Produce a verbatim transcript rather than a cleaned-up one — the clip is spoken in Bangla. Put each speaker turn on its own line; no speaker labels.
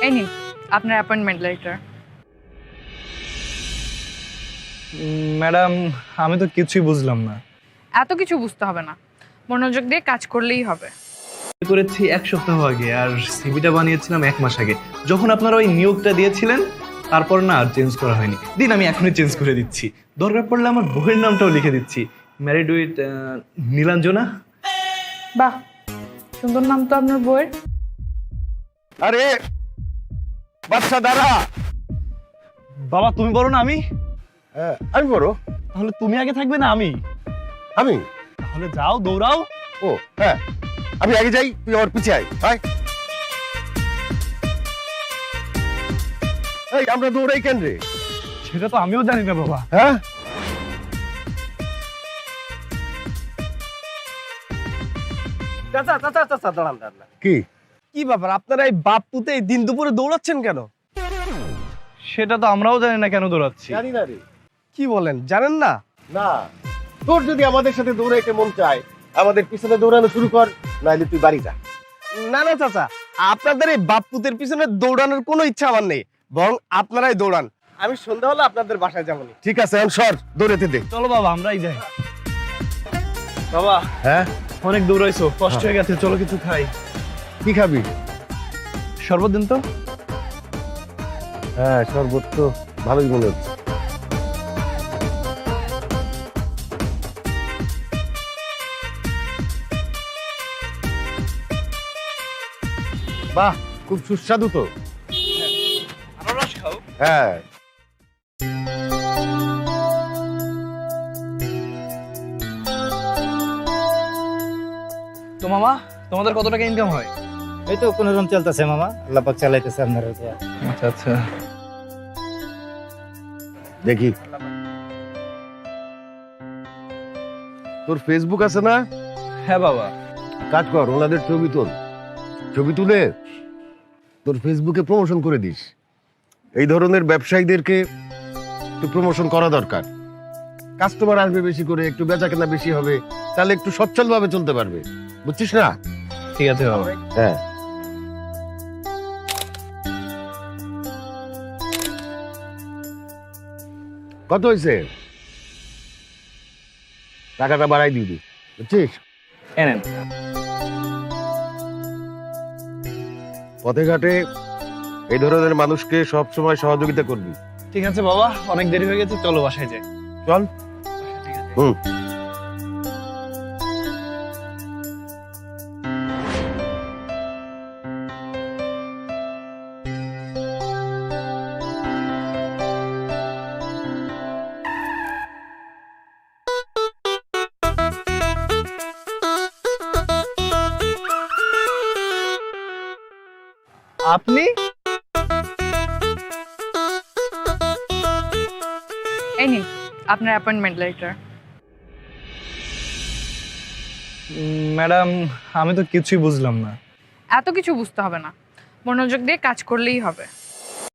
এই নিন আপনার অ্যাপয়েন্টমেন্ট লেটার।
ম্যাডাম আমি তো কিছুই বুঝলাম না।
এত কিছু বুঝতে হবে না, মনোযোগ দিয়ে কাজ করলেই হবে।
করেছি এক সপ্তাহ আগে আর সিভিটা বানিয়েছিলাম এক মাস আগে, যখন আপনারা ওই নিয়োগটা দিয়েছিলেন তারপর না আর চেঞ্জ করা হয়নি। দিন আমি এখনই চেঞ্জ করে দিচ্ছি, দরকার পড়লে আমার বউয়ের নামটাও লিখে দিচ্ছি, ম্যারিড উইথ নীলাঞ্জনা।
বাহ, সুন্দর নাম তো আপনার বইয়ের।
আরে বাচ্চা দাঁড়া।
বাবা তুমি বলো না আমি?
হ্যাঁ, আমি বড়।
তাহলে তুমি আগে থাকবে না আমি?
আমি?
তাহলে যাও দৌড়াও।
ও হ্যাঁ, আমি আগে যাই, তুই আমার পিছে আয়। আয়। এই আমরা দৌড়াই কেন রে?
সেটা তো আমিও জানি না বাবা।
হ্যাঁ,
চাচা চাচা চাচা দাঁড়ান দাঁড়ান।
কি
কি ব্যাপার, আপনারা এই বাপ পুতে এই দিন দুপুরে দৌড়াচ্ছেন কেন?
সেটা তো আমরাও জানি না কেন দৌড়াচ্ছি।
জানি না রে।
কি বলেন, জানেন না?
না, তোর যদি আমাদের সাথে দৌড়াইতে মন চায় আমাদের পিছনে দৌড়ানো শুরু কর, নাইলে তুই বাড়ি যা।
না না চাচা, আপনাদের এই বাপ পুতের পিছনে দৌড়ানোর কোনো ইচ্ছা আমার নেই, বরং আপনারাই দৌড়ান। আমি সন্ধ্যা হলে আপনাদের বাসায় যাবো।
ঠিক আছে, এখন সর, দৌড়াতে দে।
চলো বাবা আমরাই যাই। বাবা
হ্যাঁ,
অনেক দৌড়াইছো, কষ্ট হয়ে গেছে, চলো কিছু খাই।
কি খাবি?
শরবত দিন তো।
হ্যাঁ, শরবত তো ভালোই মনে হচ্ছে। বাহ, খুব সুস্বাদু তো।
আনারস খাও।
হ্যাঁ,
তো মামা তোমাদের কত টাকা ইনকাম হয়?
এই তো কোন রকম চলতেছে মামা, আল্লাহ পাক চালাইতেছে আপনার।
আচ্ছা আচ্ছা।
দেখি তোর ফেসবুক আছে না?
হ্যাঁ বাবা।
কাজ কর, ওনাদের ছবি তোল, ছবি তুলে তোর ফেসবুকে প্রমোশন করে দিস। এই ধরনের ব্যবসায়ীদেরকে একটু প্রমোশন করা দরকার। কাস্টমার আসবে বেশি করে, একটু বেচা কেনা বেশি হবে, তাহলে একটু সচ্ছল ভাবে চলতে পারবে, বুঝছিস না?
ঠিক আছে বাবা।
হ্যাঁ, কত হয়েছে? টাকাটা বাড়াই দিবি, বুঝছিস?
এনেন।
পথে ঘাটে এই ধরনের মানুষকে সব সময় সহযোগিতা করবি।
ঠিক আছে বাবা, অনেক দেরি হয়ে গেছে, চলো বাসায় যাই।
চল। হুম।
আপনি?
এই নিন আপনার অ্যাপয়েন্টমেন্ট লেটার।
ম্যাডাম আমি তো কিছুই বুঝলাম না।
এত কিছু বুঝতে হবে না, মনোযোগ দিয়ে কাজ করলেই হবে।